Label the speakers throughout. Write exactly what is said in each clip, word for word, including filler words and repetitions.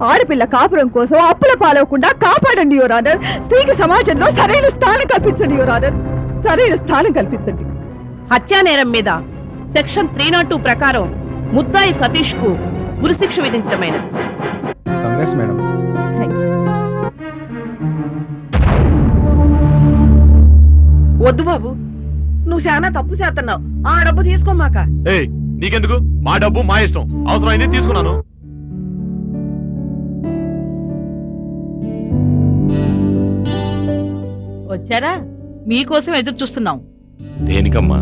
Speaker 1: ఆడపిల్ల కాపురం కోసం అప్పుల పాలవకుండా కాపాడండి యువర్ ఆనర్. స్త్రీకి సమాజంలో సరైన స్థానం కల్పించండి యువర్ ఆనర్, సరైన స్థానం కల్పించండి.
Speaker 2: హత్యా నేరం మీద సెక్షన్ త్రీ నాట్ టూ ప్రకారం ముద్దాయి సతీష్ కు ఉరిశిక్ష విధించడమైనది.
Speaker 3: Congrats madam.
Speaker 2: వద్దు బాబు, నువ్వు చాలా తప్పు చేస్తున్నావు. ఆ డబ్బు తీసుకోమాక.
Speaker 3: ఏయ్, నీకెందుకు? మా డబ్బు మా ఇష్టం, అవసరమైంది తీసుకున్నాను.
Speaker 2: వచ్చారా? మీకోసం ఎదురు చూస్తున్నాం.
Speaker 3: దేనికమ్మా?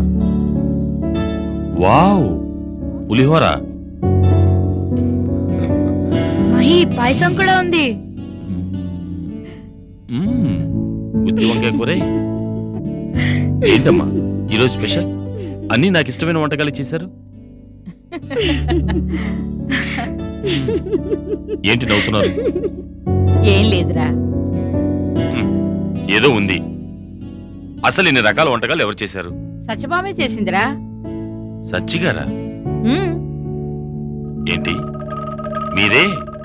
Speaker 3: వావ్, పులిహోర.
Speaker 4: మహి, పాయసం కూడా ఉంది.
Speaker 3: గుత్తి వంకాయ కూర. ఏంటమ్మా ఈరోజు స్పెషల్? అన్నీ నాకు ఇష్టమైన వంటకాలు చేశారు. ఏంటి నవ్వుతున్నారు?
Speaker 2: ఏం లేదురా.
Speaker 3: ఏదో ఉంది. అసలు ఇన్ని రకాల వంటకాలు ఎవరు చేశారు?
Speaker 2: సత్యభామే చేసిందిరా.
Speaker 3: సచ్చిగారా? ఏంటి మీరే?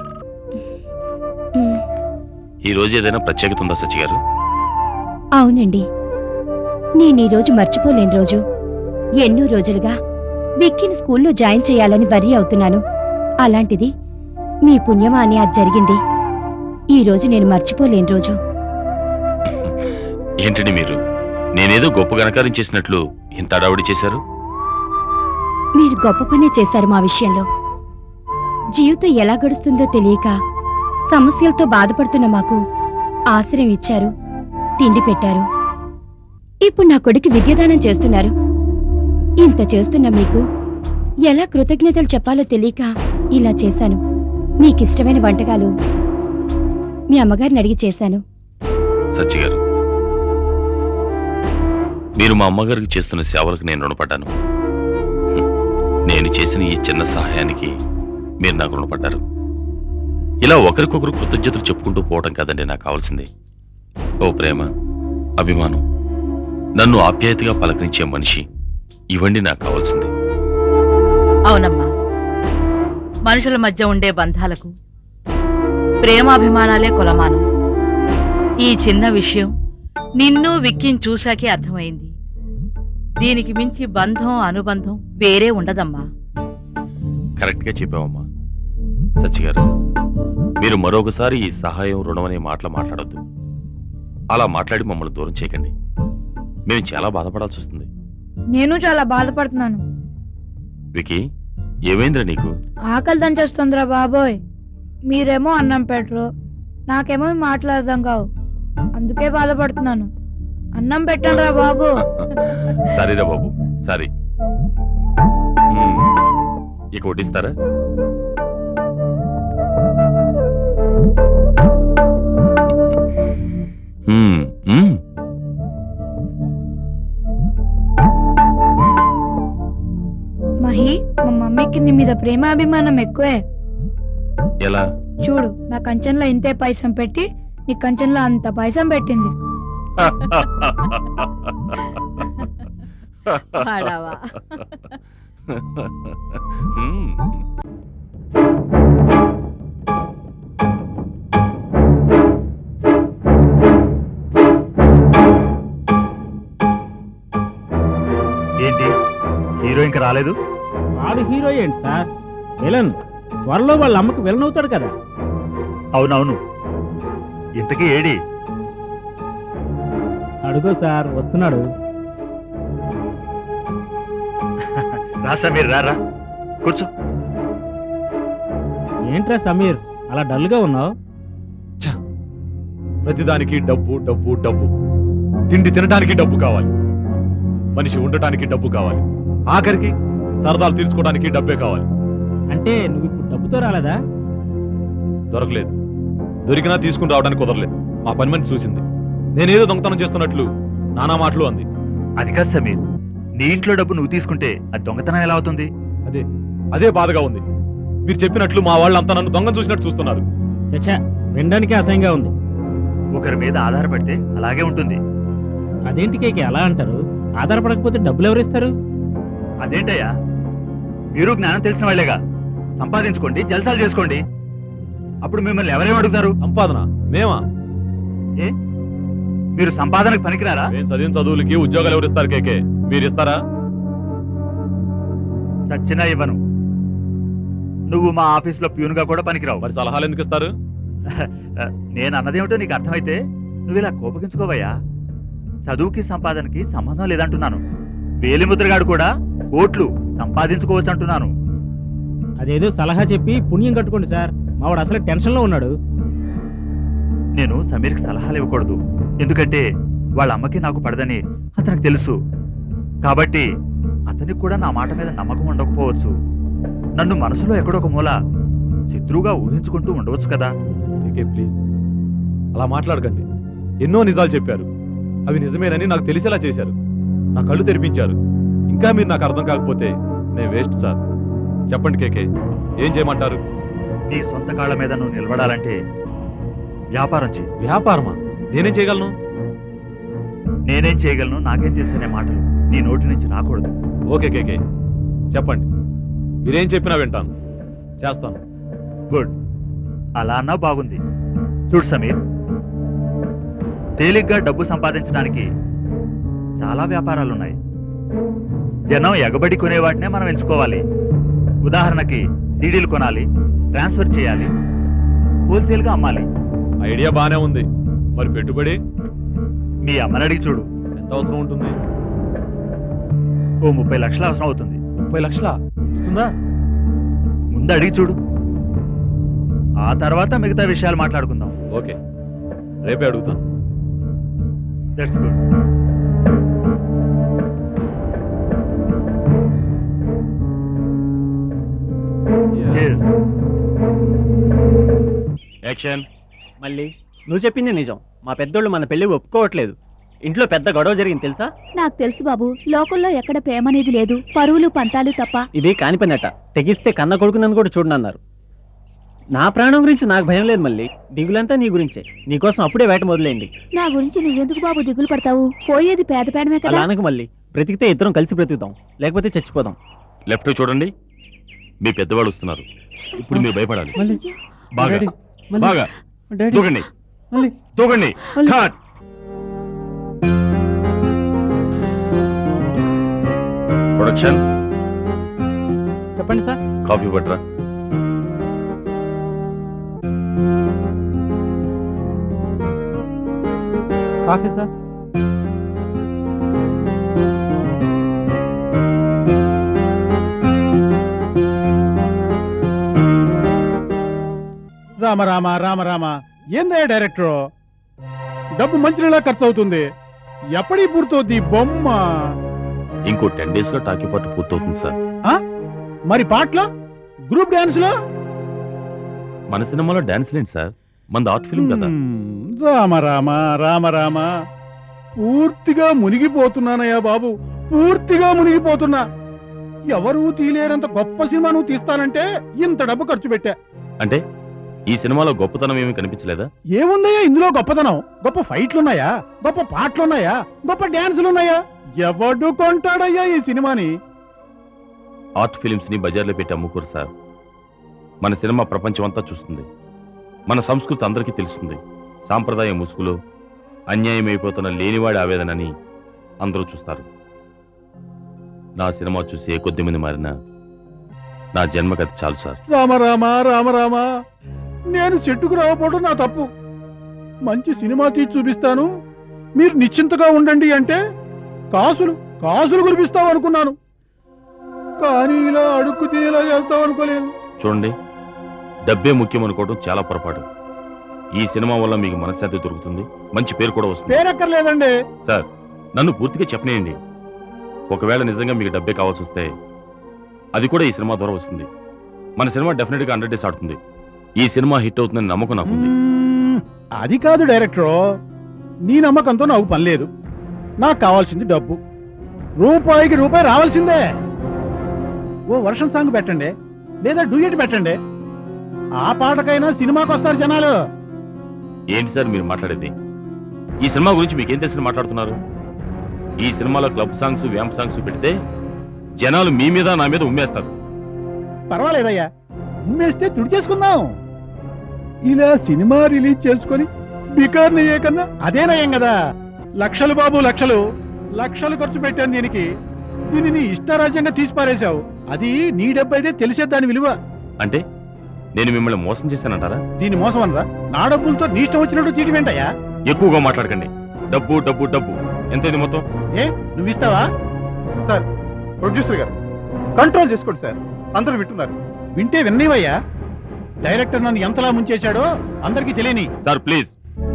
Speaker 3: ఈ రోజు ఏదైనా ప్రత్యేకత ఉందా సచ్చి గారు?
Speaker 5: అవునండి, నేను ఈ రోజు మర్చిపోలేని రోజు. ఎన్నో రోజులుగా విక్కీని స్కూల్లో జాయిన్ చేయాలని వర్రీ అవుతున్నాను. అలాంటిది మీ పుణ్యమా అని అది జరిగింది. ఈ రోజు నేను మర్చిపోలేని రోజు.
Speaker 3: ఏంటండి మీరు? నేనేదో గొప్ప గణకారం చేసినట్లు ఇంత అడావుడి చేశారు.
Speaker 5: మీరు గొప్ప పనే చేశారు. మా విషయంలో జీవితం ఎలా గడుస్తుందో తెలియక సమస్యలతో బాధపడుతున్న మాకు ఆశ్రయం ఇచ్చారు, తిండి పెట్టారు. ఇప్పుడు నా కొడుకు విద్యాదానం చేస్తున్నారు. ఇంత చేస్తున్న మీకు ఎలా కృతజ్ఞతలు చెప్పాలో తెలియక ఇలా చేశాను. మీకిష్టమైన వంటకాలు మీ అమ్మగారిని అడిగి చేశాను.
Speaker 3: సచ్చి గారు, మీరు మా అమ్మగారికి చేస్తున్న సేవలకు నేను రుణపడ్డాను. నేను చేసిన ఈ చిన్న సహాయానికి మీరు నాకు రుణపడ్డారు. ఇలా ఒకరికొకరు కృతజ్ఞతలు చెప్పుకుంటూ పోవడం కదండి నాకు కావాల్సింది. ఓ ప్రేమ, అభిమానం, నన్ను ఆప్యాయతగా పలకరించే మనిషి, ఇవండి నాకు కావాల్సింది.
Speaker 2: అవునమ్మా, మనుషుల మధ్య ఉండే బంధాలకు ప్రేమాభిమానాలే కొలమానం. ఈ చిన్న విషయం నిన్ను విక్కిని చూశాకే అర్థమైంది. దీనికి మించి బంధం అనుబంధం వేరే ఉండదమ్మా.
Speaker 3: కరెక్ట్ గా చెప్పావమ్మా. సచ్చి గారు, మీరు మరొకసారి ఈ సహాయం రుణం అనే మాటలు మాట్లాడొద్దు. అలా మాట్లాడి మమ్మల్ని దూరం చేయకండి. మేము చాలా బాధపడాల్సి వస్తుంది.
Speaker 4: నేను చాలా బాధపడుతున్నాను.
Speaker 3: వికీ, ఏమైందిరా నీకు?
Speaker 4: ఆకలి దంచేస్తుందిరా బాబోయ్. మీరేమో అన్నం పెట్టరు, నాకేమో మాట్లాడదాం కావు. అందుకే బాధపడుతున్నాను. అన్నం పెట్టండి రా బాబు.
Speaker 3: సరేరా బాబు, సరే. ఇక వడ్డిస్తారా?
Speaker 4: మహి, మా మమ్మీకి నీ మీద ప్రేమాభిమానం ఎక్కువే.
Speaker 3: ఎలా?
Speaker 4: చూడు, నా కంచంలో ఇంతే పైసం పెట్టి నీ కంచంలో అంత పైసం పెట్టింది.
Speaker 6: ఏంటి హీరో ఇంకా రాలేదు?
Speaker 7: వాడు హీరో ఏంటి సార్, విలన్. త్వరలో వాళ్ళ అమ్మకి విలన్ అవుతాడు కదా.
Speaker 6: అవునవును. ఇంతకీ ఏడి?
Speaker 7: అడుగో సార్, వస్తున్నాడు.
Speaker 6: రా సమీర్, రారా, కూర్చో.
Speaker 7: ఏంట్రా సమీర్, అలా డల్గా ఉన్నావు?
Speaker 3: ప్రతిదానికి డబ్బు డబ్బు డబ్బు. తిండి తినడానికి డబ్బు కావాలి, మనిషి ఉండటానికి డబ్బు కావాలి, ఆఖరికి సరదాలు తీర్చుకోవడానికి డబ్బే కావాలి.
Speaker 7: అంటే నువ్వు ఇప్పుడు డబ్బుతో రాలేదా?
Speaker 3: దొరకలేదు. దొరికినా తీసుకుని రావడానికి కుదరలేదు. మా పని మనిషి చూసింది. నేనేదో దొంగతనం చేస్తున్నట్లు నానా మాటలు అంది.
Speaker 6: అది కాదు సమీర్, నీ ఇంట్లో డబ్బు నువ్వు తీసుకుంటే అది దొంగతనం ఎలా అవుతుంది?
Speaker 3: అదే అదే బాధగా ఉంది. మీరు చెప్పినట్లు మా వాళ్ళంతా నన్ను దొంగ చూసినట్టు చూస్తున్నారు.
Speaker 7: చచ్చా, వినడానికి అసహ్యంగా ఉంది.
Speaker 6: ఒకరి మీద ఆధారపడితే అలాగే ఉంటుంది.
Speaker 7: అదేంటి కేకి అలా అంటారు? ఆధారపడకపోతే డబ్బులు ఎవరిస్తారు?
Speaker 6: అదేంటయ్యా, మీరు జ్ఞానం తెలిసిన వాళ్ళేగా. సంపాదించుకోండి, జల్సాలు చేసుకోండి. అప్పుడు మిమ్మల్ని ఎవరేం అడుగుతారు?
Speaker 8: సంపాదన మేమా?
Speaker 6: ఏ మీరు సంపాదనకు పనికిరారా?
Speaker 8: మేము చదివిన చదువులకి ఉద్యోగాలు ఎవరిస్తారు కేకే? మీరు ఇస్తారా?
Speaker 6: చచ్చినా ఇవ్వను. నువ్వు మా ఆఫీసులో ప్యూన్గా కూడా పనికిరావు.
Speaker 8: మరి సలహాలు ఎందుకు ఇస్తారు?
Speaker 6: నేను అన్నదేమిటో నీకు అర్థమైతే నువ్వు ఇలా కోపగించుకోవయ్యా. చదువుకి సంపాదనకి సంబంధం లేదంటున్నాను. వేలిముద్రగాడు కూడా కోట్లు సంపాదించుకోవచ్చు అంటున్నాను.
Speaker 7: అదేదో సలహా చెప్పి పుణ్యం కట్టుకోండి సార్. మావాడు అసలు టెన్షన్లో ఉన్నాడు.
Speaker 6: నేను సమీర్కి సలహాలు ఇవ్వకూడదు, ఎందుకంటే వాళ్ళ అమ్మకి నాకు పడదని అతనికి తెలుసు. కాబట్టి అతనికి కూడా నా మాట మీద నమ్మకం ఉండకపోవచ్చు. నన్ను మనసులో ఎక్కడొక మూల శత్రువుగా ఊహించుకుంటూ ఉండవచ్చు కదా.
Speaker 8: కేకే ప్లీజ్ అలా మాట్లాడకండి. ఎన్నో నిజాలు చెప్పారు, అవి నిజమేనని నాకు తెలిసేలా చేశారు. నా కళ్ళు తెరిపించారు. ఇంకా మీరు నాకు అర్థం కాకపోతే నేను వేస్ట్ సార్. చెప్పండి కేకే, ఏం చేయమంటారు?
Speaker 6: నీ సొంత కాళ్ళ మీద నువ్వు నిలబడాలంటే వ్యాపారం చేయి.
Speaker 8: వ్యాపారమా? నేనేం చేయగలను?
Speaker 6: నేనేం చేయగలను నాకేం తెలుసనే మాటలు నీ నోటి నుంచి రాకూడదు.
Speaker 8: ఓకే కేకే, చెప్పండి. మీరేం చెప్పినా వింటాను, చేస్తాను.
Speaker 6: గుడ్, అలా అన్నా బాగుంది. చూడు సమీర్, తేలిగ్గా డబ్బు సంపాదించడానికి చాలా వ్యాపారాలున్నాయి. జనం ఎగబడి కొనే వాటినే మనం ఎంచుకోవాలి. ఉదాహరణకి సీడీలు కొనాలి, ట్రాన్స్ఫర్ చేయాలి, హోల్సేల్గా అమ్మాలి.
Speaker 8: ఐడియా బానే ఉంది. మరి పెట్టుబడి?
Speaker 6: మీ అమ్మని అడిగి చూడు.
Speaker 8: ఎంత అవసరం ఉంటుంది?
Speaker 6: ఓ ముప్పై లక్షలు అవసరం అవుతుంది.
Speaker 8: ముప్పై లక్షలా ఇస్తుందా?
Speaker 6: ముందు అడిగి చూడు, ఆ తర్వాత మిగతా విషయాలు మాట్లాడుకుందాం.
Speaker 8: ఓకే, రేపే అడుగుతాను.
Speaker 6: That's good. Cheers.
Speaker 3: యాక్షన్.
Speaker 9: మళ్ళీ నువ్వు చెప్పింది నిజం. మా పెద్దోళ్ళు మన పెళ్లి ఒప్పుకోవట్లేదు. ఇంట్లో పెద్ద గొడవ జరిగింది తెలుసా?
Speaker 5: నాకు తెలుసు బాబు. లోకల్లో ఎక్కడ ప్రేమ అనేది లేదు, పరువులు పంతాలు తప్ప.
Speaker 9: ఇది కానిపనట. తెగిస్తే కన్న కొడుకునని కూడా చూడనన్నారు. నా ప్రాణం గురించి నాకు భయం లేదు మళ్ళీ. దిగులంతా నీ గురించే. నీకోసం అప్పుడే వేట మొదలైంది.
Speaker 5: నా గురించి నువ్వెందుకు బాబు దిగులు పడతావు? పోయేది పేద పేడమే
Speaker 9: అలా అనకు మళ్ళీ. బ్రతికితే ఇద్దరం కలిసి బ్రతుకుతాం, లేకపోతే చచ్చిపోదాం.
Speaker 3: లెఫ్ట్ చూడండి, మీ పెద్దవాళ్ళు వస్తున్నారు. ఇప్పుడు మీరు భయపడాలి.
Speaker 9: మళ్ళీ
Speaker 3: బాగా
Speaker 9: డాడీ, మళ్ళీ.
Speaker 3: బాగా
Speaker 9: డాడీ,
Speaker 3: దూకండి,
Speaker 9: మళ్ళీ.
Speaker 3: దూకండి.
Speaker 9: మళ్ళీ.
Speaker 3: కట్. ప్రొడక్షన్.
Speaker 9: చెప్పండి సార్.
Speaker 3: కాఫీ పట్టరా.
Speaker 9: Coffee sir.
Speaker 7: రామ రామ రామ రామ. ఏందే డైరెక్టర్, డబ్బు మంచినీళ్ళ ఖర్చు అవుతుంది. ఎప్పటి పూర్తవుద్ది బొమ్మ?
Speaker 3: ఇంకో టెన్ డేస్ లో టాకీ పార్ట్ పూర్తవుతుంది సార్.
Speaker 7: మరి పాటలో, గ్రూప్ డాన్స్ లో?
Speaker 3: మన సినిమాలో డాన్స్ లేండి సార్, మనది ఆర్ట్ ఫిల్మ్ కదా.
Speaker 7: మ్మ్. రామ రామ రామ రామ. పూర్తిగా మునిగిపోతున్నానయ్యా బాబు, పూర్తిగా మునిగిపోతున్నా. ఎవరు తీలేనంత గొప్ప సినిమా నువ్వు తీస్తానంటే ఇంత డబ్బు ఖర్చు పెట్టా.
Speaker 3: అంటే ఈ సినిమాలో గొప్పతనం ఏమీ కనిపించలేదా?
Speaker 7: ఏముందయ్యా ఇందులో గొప్పతనం? గొప్ప ఫైట్లున్నాయా, గొప్ప పాటలున్నాయా, గొప్ప డాన్సులున్నాయా? ఎవడు కొంటాడయ్యా ఈ సినిమాని?
Speaker 3: ఆర్ట్ ఫిలిమ్స్ ని బజార్లో పెట్టి అమ్ముకోరు సార్. మన సినిమా ప్రపంచం అంతా చూస్తుంది, మన సంస్కృతి అందరికీ తెలుస్తుంది. సాంప్రదాయ ముసుగులో అన్యాయం అయిపోతున్న లేనివాడి ఆవేదనని అందరూ చూస్తారు. నా సినిమా చూసి ఏ కొద్ది మంది మారినా నా జన్మకథ చాలు సార్.
Speaker 7: రామ రామ రామ రామ. నేను చెట్టుకు రావపోవడం నా తప్పు. మంచి సినిమా తీసి చూపిస్తాను, మీరు నిశ్చింతగా ఉండండి అంటే కాసులు కాసులు కురిపిస్తావు అనుకున్నాను. కానీ ఇలా అడుక్కు తినేలా చేస్తావు అనుకోలేదు.
Speaker 3: చూడండి, డబ్బే ముఖ్యం అనుకోవడం చాలా పొరపాటు. ఈ సినిమా వల్ల మీకు మనశ్శాంతి దొరుకుతుంది, మంచి పేరు కూడా వస్తుంది.
Speaker 7: పేరక్కర్లేదండి
Speaker 3: సార్, నన్ను పూర్తిగా చెప్పనేయండి. ఒకవేళ నిజంగా మీకు డబ్బే కావాల్సి వస్తే అది కూడా ఈ సినిమా ద్వారా వస్తుంది. మన సినిమా డెఫినెట్ గా హండ్రెడ్ డేస్ ఆడుతుంది. ఈ సినిమా హిట్ అవుతుందని నమ్మకం నాకుంది.
Speaker 7: మ్మ్. అది కాదు డైరెక్టర్, నీ నమ్మకంతో నాకు పని లేదు. నాకు కావాల్సింది డబ్బు. రూపాయికి రూపాయి రావాల్సిందే. ఓ వర్షం సాంగ్ పెట్టండి, లేదా డూయట్ పెట్టండి. ఆ పాటకైనా సినిమాకి వస్తారు జనాలు.
Speaker 3: ఏంటి సార్ మీరు మాట్లాడేది? ఈ సినిమా గురించి మీకేం తెలిసి మాట్లాడుతున్నారు? ఈ సినిమాలో క్లబ్ సాంగ్స్, వ్యాంప్ సాంగ్స్ పెడితే జనాలు మీ మీద నా మీద ఉమ్మేస్తారు.
Speaker 7: పర్వాలేదయ్యా, ఉమ్మేస్తే తుడి చేసుకుందాం. ఇలా సినిమా రిలీజ్ చేసుకొని బికార్ని అయ్యే కన్నా అదే నయం కదా. లక్షలు బాబు లక్షలు లక్షలు ఖర్చు పెట్టాను దీనికి. దీనిని ఇష్టారాజ్యంగా తీసి పారేశావు. అది నీ డబ్బు అయితే తెలిసే దాని విలువ.
Speaker 3: అంటే నేను మిమ్మల్ని మోసం చేశానంటారా?
Speaker 7: దీని మోసం అనరా? నా డబ్బులతో నీ ఇష్టం వచ్చినట్టు తీటి వెంటయ్యా.
Speaker 3: ఎక్కువగా మాట్లాడకండి. డబ్బు డబ్బు డబ్బు ఎంతైంది మొత్తం?
Speaker 7: ఏ నువ్వు ఇస్తావా?
Speaker 8: సార్ ప్రొడ్యూసర్ గారు కంట్రోల్ చేసుకోండి సార్, అందరూ వింటున్నారు.
Speaker 7: వింటే విన్నీవయ్యా. డైరెక్టర్ నన్ను ఎంతలా ముంచేశాడో అందరికీ తెలియని.
Speaker 3: సార్ ప్లీజ్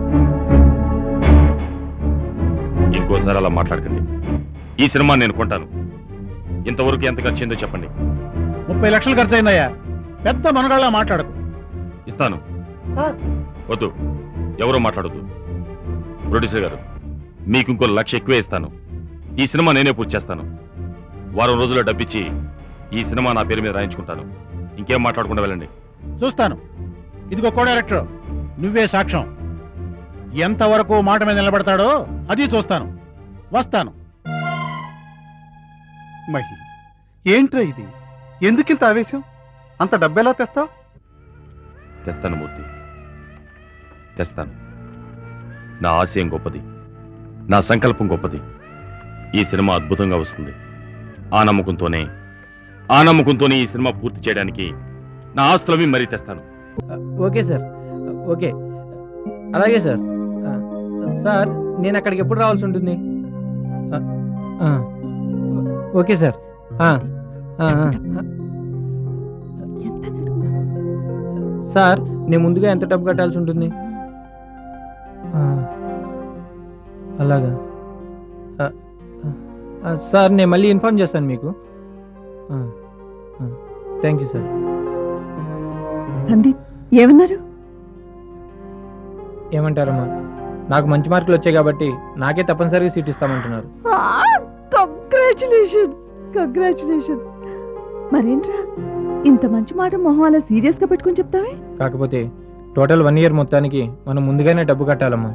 Speaker 3: ఇంకోసారి అలా మాట్లాడకండి. ఈ సినిమా నేను కొంటాను. ఇంతవరకు ఎంత ఖర్చు అయిందో చెప్పండి.
Speaker 7: ముప్పై లక్షలు ఖర్చు అయిందయ్యా. పెద్ద మనగాళ్ళ మాట్లాడకు.
Speaker 3: ఇస్తాను.
Speaker 8: సార్
Speaker 3: వద్దు, ఎవరో మాట్లాడొద్దు. ప్రొడ్యూసర్ గారు, మీకు ఇంకో లక్ష ఎక్కువే ఇస్తాను. ఈ సినిమా నేనే పూర్తి చేస్తాను. వారం రోజుల్లో డబ్బిచ్చి ఈ సినిమా నా పేరు మీద రాయించుకుంటాను. ఇంకేం మాట్లాడకుండా వెళ్ళండి.
Speaker 7: చూస్తాను. ఇదిగో కో డైరెక్టర్, నువ్వే సాక్ష్యం. ఎంతవరకు మాట మీద నిలబడతాడో అది చూస్తాను. వస్తాను.
Speaker 8: మహి, ఏంట్రా ఇది? ఎందుకింత ఆవేశం? అంత డబ్బెలా తెస్తావు?
Speaker 3: తెస్తాను మూర్తి, తెస్తాను. నా ఆశయం గొప్పది, నా సంకల్పం గొప్పది. ఈ సినిమా అద్భుతంగా వస్తుంది. ఆ నమ్మకంతోనే ఆ నమ్మకంతోనే ఈ సినిమా పూర్తి చేయడానికి నా ఆస్తులవి మరీ తెస్తాను.
Speaker 10: ఓకే సార్, ఓకే, అలాగే సార్. సార్ నేను అక్కడికి ఎప్పుడు రావాల్సి ఉంటుంది? Okay sir. సార్ నేను ముందుగా ఎంత డబ్బు కట్టాల్సి ఉంటుంది? అలాగా సార్, నేను మళ్ళీ ఇన్ఫార్మ్ చేస్తాను మీకు. Thank you sir.
Speaker 1: సందీప్ ఏమన్నారు?
Speaker 10: ఏమంటారమ్మా, నాకు మంచి మార్కులు వచ్చాయి కాబట్టి నాకే తప్పనిసరిగా సీట్ ఇస్తామంటున్నారు.
Speaker 1: Congratulation, congratulation. మరేంట్రా ఇంత మంచి మాట మొహం అలా సీరియస్ గా పెట్టుకుని చెప్తావే?
Speaker 10: కాకపోతే టోటల్ వన్ ఇయర్ మొత్తానికి మనం ముందుగానే డబ్బు కట్టాలమ్మా.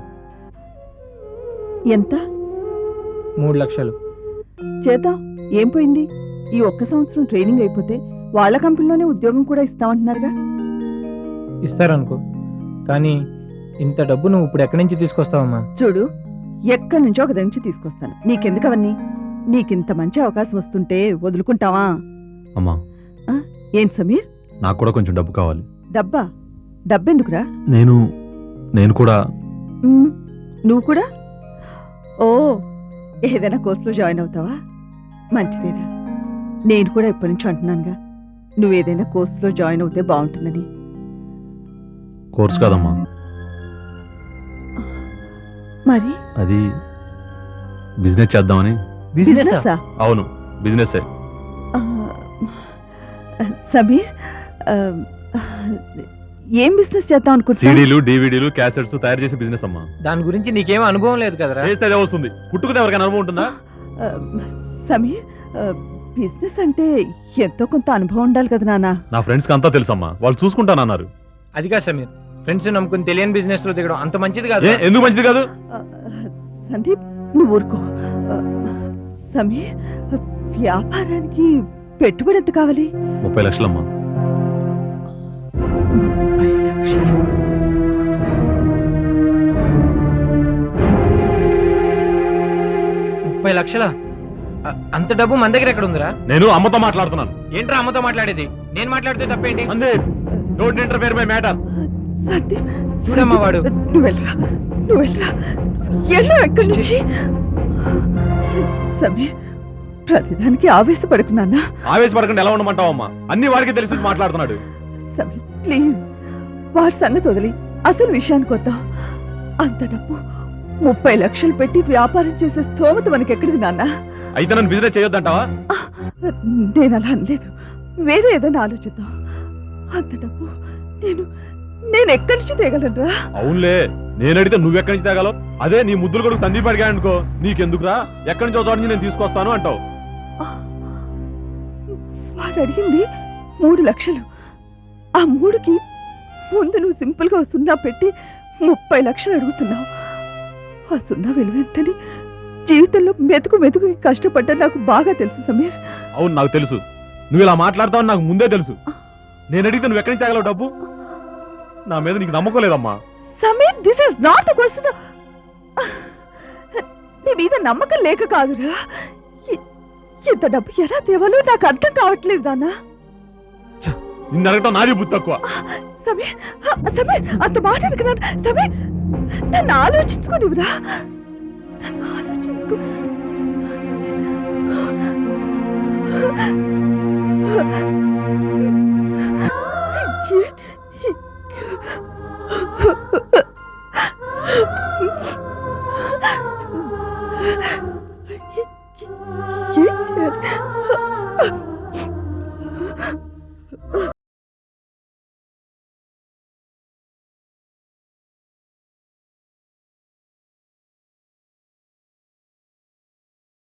Speaker 1: ఎంత?
Speaker 10: మూడు లక్షలు.
Speaker 1: చేద్దాం, ఏం పోయింది? ఈ ఒక్క సంవత్సరం ట్రైనింగ్ అయిపోతే వాళ్ళ కంపెనీలోనే ఉద్యోగం కూడా ఇస్తామంటున్నారుగా.
Speaker 10: ఇస్తారనుకో, కానీ ఇంత డబ్బు నువ్వు ఇప్పుడు ఎక్కడి నుంచి తీసుకొస్తావమ్మా?
Speaker 1: చూడు, ఎక్కడి నుంచో ఒక నుంచి తీసుకొస్తాను. నీకెందుకు అవన్నీ? నీకింత మంచి అవకాశం వస్తుంటే వదులుకుంటావా?
Speaker 8: అమ్మా,
Speaker 1: ఏం సమీర్,
Speaker 8: నాకు కూడా కొంచెం డబ్బు కావాలి.
Speaker 1: డబ్బా? డబ్బెందుకురా?
Speaker 8: నేను నేను కూడా
Speaker 1: ఉమ్, నువ్వు కూడా? ఓ, ఏదైనా కోర్సులో జాయిన్ అవుతావా? మంచిదేనా. నేను కూడా ఇప్పటి నుంచి అంటున్నానుగా, నువ్వేదైనా కోర్సులో జాయిన్ అవుతే బాగుంటుందని.
Speaker 8: కోర్స్ కాదమ్మా,
Speaker 1: మరి
Speaker 8: అది బిజినెస్ చేద్దామని.
Speaker 1: బిజినెస్సా?
Speaker 8: అవును, బిజినెస్.
Speaker 1: ఆ, సమీర్, ఆ, ఏం బిజినెస్ చేద్దాం అనుకుంటున్నా?
Speaker 8: సీడీలు, డివిడీలు, క్యాసెట్స్ తయారు చేసే బిజినెస్ అమ్మా.
Speaker 10: దాని గురించి నీకేం అనుభవం లేదు కదరా?
Speaker 8: చేస్తే అదే వస్తుంది. పుట్టుకుతే ఎవరికైనా అనుభవం ఉంటుందా?
Speaker 1: ఆ, సమీర్, ఆ, బిజినెస్ అంటే ఎంతో కొంత అనుభవం ఉండాలి కదా నాన్న.
Speaker 8: నా ఫ్రెండ్స్ కి అంతా తెలుసమ్మా, వాళ్ళు చూసుకుంటానన్నారు.
Speaker 10: అది కాదు సమీర్, ఫ్రెండ్స్ నమ్ముకుని తెలియని బిజినెస్ లో దిగడం అంత మంచిది కాదు.
Speaker 8: ఏ, ఎందుకు మంచిది కాదు?
Speaker 1: ఆ, సందీప్ నువ్వు ఊరుకో. ఆ, సమీర్, వ్యాపారానికి పెట్టుబడి ఎంత కావాలి?
Speaker 8: ముప్పై లక్షలమ్మా.
Speaker 1: ముప్పై లక్షలు.
Speaker 10: ముప్పై లక్షల? అంత డబ్బు మన దగ్గర ఎక్కడ ఉందిరా?
Speaker 8: నేను అమ్మతో మాట్లాడుతున్నాను.
Speaker 10: ఏంట్రా అమ్మతో మాట్లాడేది? నేను మాట్లాడితే తప్పేంటి?
Speaker 8: అందే, don't interfere my matters.
Speaker 1: Sandeep,
Speaker 10: చూడమ్మా వాడు.
Speaker 1: నువ్వు వెళ్ళరా, నువ్వు వెళ్ళరా, ఎల్లు ఎక్కడి నుంచి. సమీర్, ప్రతిదానికి ఆవేశపడుకున్నానా?
Speaker 8: ఆవేశపడకుండా ఎలా ఉండమంటావమ్మా? అన్ని వాడికి తెలిసి మాట్లాడుతున్నాడు.
Speaker 1: సమీర్ ప్లీజ్, వాడి సంగతి వదిలి అసలు విషయానికి వద్దాం. అంత డబ్బు ముప్పై లక్షలు పెట్టి వ్యాపారం చేసే స్థోమత మనకి ఎక్కడిది నాన్న?
Speaker 8: అయితే నన్ను బిజినెస్ చేయొద్దంటావా?
Speaker 1: నేను అలా అనలేదు, వేరే ఏదైనా ఆలోచిద్దాం. అంత డబ్బు నేను నేను ఎక్కడి నుంచి తేగలనురా?
Speaker 8: అవునులే, నేను అడిగితే నువ్వు ఎక్కడి నుంచి తేగలవు? అదే నీ ముద్దులు కొడుకు సందీప్ అడిగా అనుకో, నీకెందుకురా, ఎక్కడి నుంచి చోట నుంచి నేను తీసుకొస్తాను అంటావు.
Speaker 1: వాడు అడిగింది మూడు లక్షలు. ఆ మూడుకి ముందు నువ్వు సింపుల్ గా సున్నా పెట్టి ముప్పై లక్షలు అడుగుతున్నావు. ఆ సున్నా విలువ ఎంతని జీవితంలో మెతుకు మెతుకు కష్టపడ్డా నాకు బాగా తెలుసు సమీర్.
Speaker 8: అవును, నాకు తెలుసు. నువ్వు ఇలా మాట్లాడతావని నాకు ముందే తెలుసు. నేను అడిగితే నువ్వు ఎక్కడి నుంచి తేగలవు డబ్బు? నా మీద నీకు నమ్మకం లేదమ్మా.
Speaker 1: Sameer, this is not the question. నీ మీద నమ్మకం లేక కాదురా, ఇ- ఇంత డబ్బు ఎలా తేవాలో నాకు అర్థం కావట్లేదు నాన్న.
Speaker 8: నిన్ను అడగటం నాది బుద్ధి తక్కువ.
Speaker 1: సమీర్, సమీర్, అంత మాట అనుకున్నాను. సమీర్, నన్ను ఆలోచించుకోనివ్వరా, నన్ను ఆలోచించుకో.